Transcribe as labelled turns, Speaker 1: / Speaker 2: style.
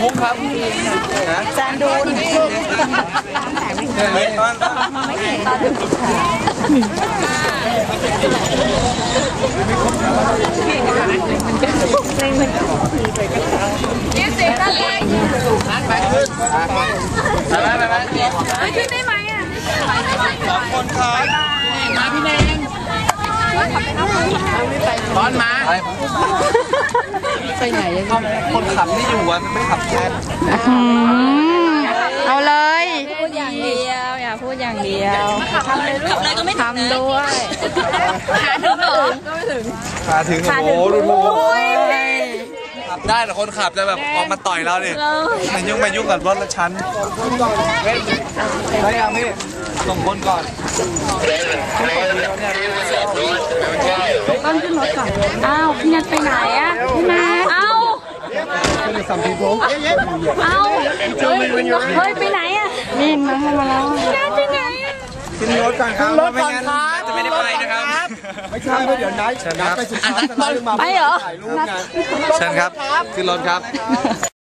Speaker 1: มุกครับ
Speaker 2: จานดูนยืดเสียงได้เลยไปขึ้นได้ไหมอ่ะ
Speaker 1: 2 คนครับมาพี่แนงร้อนมาไปไหนคนขับไม่อยู่อ่ะไม่ขับแทน
Speaker 2: เอาเลยพูดอย่างเดียวอย่าพูดอย่างเดียวทำเลยก็ไม่ทำด้วยหาถึงเหรอก็ไม่ถึง
Speaker 1: หาถึงโอ้โหดูขับได้แต่คนขับจะแบบออกมาต่อยเราดิมายุ่งกับรถละชั้นได้ยังพี่ส่งคนก่อน
Speaker 2: ต้นขึ้นรถก่อนอ้าวพี่นัทไปไหนอ่ะพี่นัทเอ้าเฮ้ยไปไหนอ่ะนี่มาแล้วพี่นัทไปไหนอ่ะ
Speaker 1: ขึ้นรถก่อนครับไม่งั้นจะไม่ได้ไปนะครับไม่ใช่เดี๋ยวนัดไปสุดท้าย
Speaker 2: ไปเหรอ
Speaker 1: เชิญครับขึ้นรถครับ